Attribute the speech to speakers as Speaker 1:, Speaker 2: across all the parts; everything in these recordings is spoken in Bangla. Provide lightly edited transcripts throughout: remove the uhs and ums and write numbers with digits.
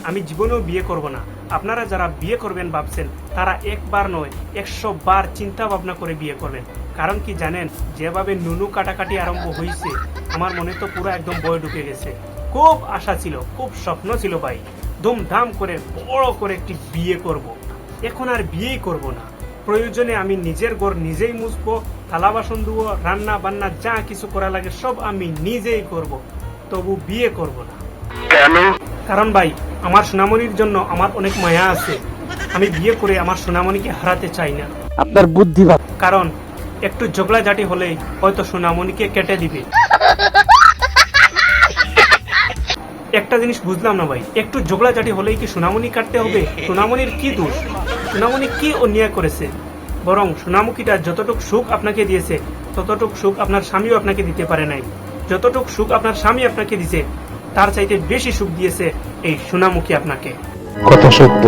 Speaker 1: আমি জীবনেও বিয়ে করব না। আপনারা যারা বিয়ে করবেন ভাবছেন তারা একবার নয় 100 বার চিন্তা ভাবনা করে বিয়ে করবেন। কারণ কি জানেন, যেভাবে নুনু কাটাকাটি আরম্ভ হয়েছে আমার মনে তো পুরো একদম বয়ে ঢুকে গেছে। খুব আশা ছিল, খুব স্বপ্ন ছিল ভাই, ধুমধাম করে বড় করে একটি বিয়ে করব। এখন আর বিয়েই করব না। প্রয়োজনে আমি নিজের ঘর নিজেই মুছবো, থালা বাসন ধুবো, রান্না বান্না যা কিছু করা লাগে সব আমি নিজেই করব, তবু বিয়ে করব না।
Speaker 2: কেন?
Speaker 1: কারণ ভাই, আমার সোনামণির জন্য আমার অনেক মায়া আছে। আমি বিয়ে করে আমার সোনামণিকে হারাতে চাই না।
Speaker 2: আপনার বুদ্ধি ভালো।
Speaker 1: কারণ একটু ঝগড়াঝাটি হলেই হয়তো সোনামণিকে কেটে দিবে। একটা জিনিস বুঝলাম না ভাই, একটু ঝগড়াঝাটি হলেই কি সোনামণি কাটতে হবে? সোনামণির কি দোষ? সোনামণি কি অন্যায় করেছে? বরং সোনামুখীটা যতটুক সুখ আপনাকে দিয়েছে ততটুক সুখ আপনার স্বামীও আপনাকে দিতে পারে নাই। যতটুক সুখ আপনার স্বামী আপনাকে দিয়েছে তার চাইতে বেশি সুখ দিয়েছে এই সোনামুখী আপনাকে।
Speaker 2: কথা সত্য।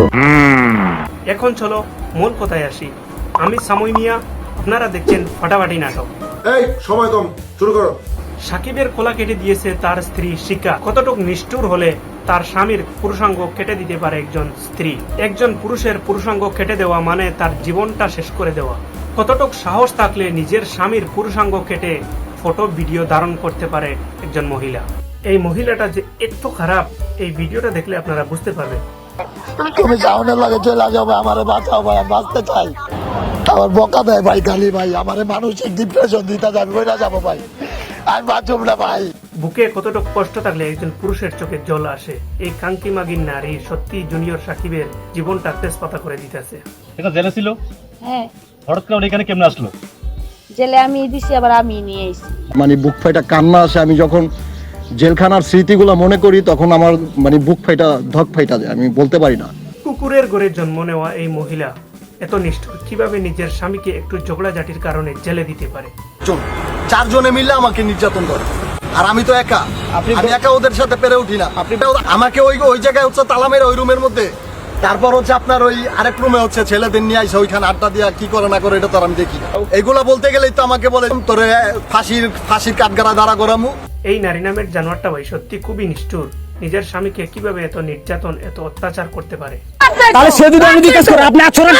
Speaker 1: এখন চলো মূল কথায় আসি। আমি সাময় মিয়া, আপনারা দেখছেন ফাটাফাটি নাটক।
Speaker 3: এই সময় কম, শুরু করো।
Speaker 1: সাকিবের কোলা কেটে দিয়েছে তার স্ত্রী শিকা। কতটুক নিষ্ঠুর হলে তার স্বামীর পুরুষাঙ্গ কেটে দিতে পারে একজন স্ত্রী? একজন পুরুষের পুরুষাঙ্গ কেটে দেওয়া মানে তার জীবনটা শেষ করে দেওয়া। কতটুক সাহস থাকলে নিজের স্বামীর পুরুষাঙ্গ কেটে ফটো ভিডিও ধারণ করতে পারে একজন মহিলা? এই মহিলাটা যে এত খারাপ, এই ভিডিওটা দেখলে আপনারা বুঝতে পারবেন।
Speaker 4: তুমি সাউন্ডের লাগে চলে যাও ভাই, আমারে বাঁচাও ভাই, আমি বাঁচতে চাই। আমার বকা দেয় ভাই গালি ভাই, আমারে মানসিক ডিপ্রেশন দিতে যাবে, বইরা যাবো ভাই, আমি বাঁচব না ভাই।
Speaker 1: বুকে কতটুকু কষ্ট থাকলে একজন পুরুষের চোখে জল আসে? এই কাঙ্কি মাগির নারী সত্যি জুনিয়র সাকিবের জীবনটা তেজপাতা করে দিতেছে।
Speaker 5: এটা জেলে ছিল,
Speaker 6: হ্যাঁ
Speaker 5: হঠাৎ করে এখানে কেমনে আসলো?
Speaker 6: জেলে আমি দিছি, আবার আমি নিয়ে এসেছি।
Speaker 4: মানে বুক ফাইটা কান্না আসে, আমি যখন জেলখানার স্মৃতিগুলো মনে করি তখন আমার মানে বুক ফাইটা ধক ফাইটা যায়, আমি বলতে পারি না।
Speaker 1: কুকুরের ঘরে জন্ম নেওয়া এই মহিলা এত নিষ্ঠুর, কিভাবে নিজের স্বামীকে একটু ঝগড়াঝাটির কারণে জেলে দিতে পারে?
Speaker 4: চারজনে মিলে আমাকে নির্যাতন করে, আর আমি তো একা, আমি একা ওদের সাথে পেরে উঠি না। আমাকে ওই জায়গায় হচ্ছে তালা মেরে ওই রুমের মধ্যে, তারপর হচ্ছে আপনার ওই আরেক রুমে হচ্ছে ছেলেদের নিয়ে আইসা ওইখানে আড্ডা দিয়া কি করে না করে এটা তো আর আমি দেখি। এগুলা বলতে গেলেই তো আমাকে বলে তোরে ফাঁসির কাঠগাড়া দাঁড়া করামু।
Speaker 1: এই নারী নামের জানোয়ারটা ভাই সত্যি খুবই নিষ্ঠুর। নিজের স্বামীকে কিভাবে এত নির্যাতন, এত অত্যাচার করতে পারে?
Speaker 2: তাহলে সে যদি আমি জিজ্ঞেস করে আপনি আচরণ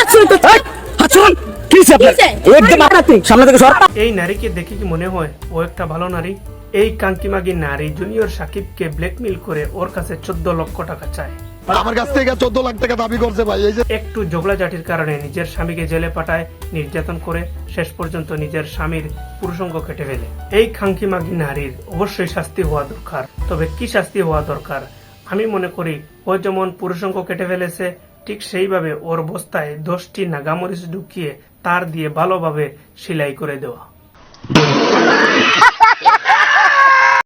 Speaker 2: আচরণ কি একদম সামনে থেকে সর।
Speaker 1: এই নারীকে দেখে কি মনে হয় ও একটা ভালো নারী? এই কাঙ্কিমাগি নারী জুনিয়র সাকিবকে ব্ল্যাকমেইল করে ওর কাছে 14 লক্ষ টাকা চায়।
Speaker 4: আমার কাছ থেকে 14 লাখ টাকা দাবি করছে ভাই। এই যে
Speaker 1: একটু ঝগড়াঝাটির কারণে নিজের স্বামীকে জেলে পাঠায়, নির্যাতন করে শেষ পর্যন্ত নিজের স্বামীর পুরুষাঙ্গ কেটে ফেলে। এই খাঙ্কিমাগি নারীর অবশ্যই শাস্তি হওয়া দরকার। তবে কি শাস্তি হওয়া দরকার? আমি মনে করি ও যেমন পুরুষাঙ্গ কেটে ফেলেছে, ঠিক সেইভাবে ওর বস্তায় 10টি নাগামরিচ ঢুকিয়ে তার দিয়ে ভালোভাবে সেলাই করে দেওয়া।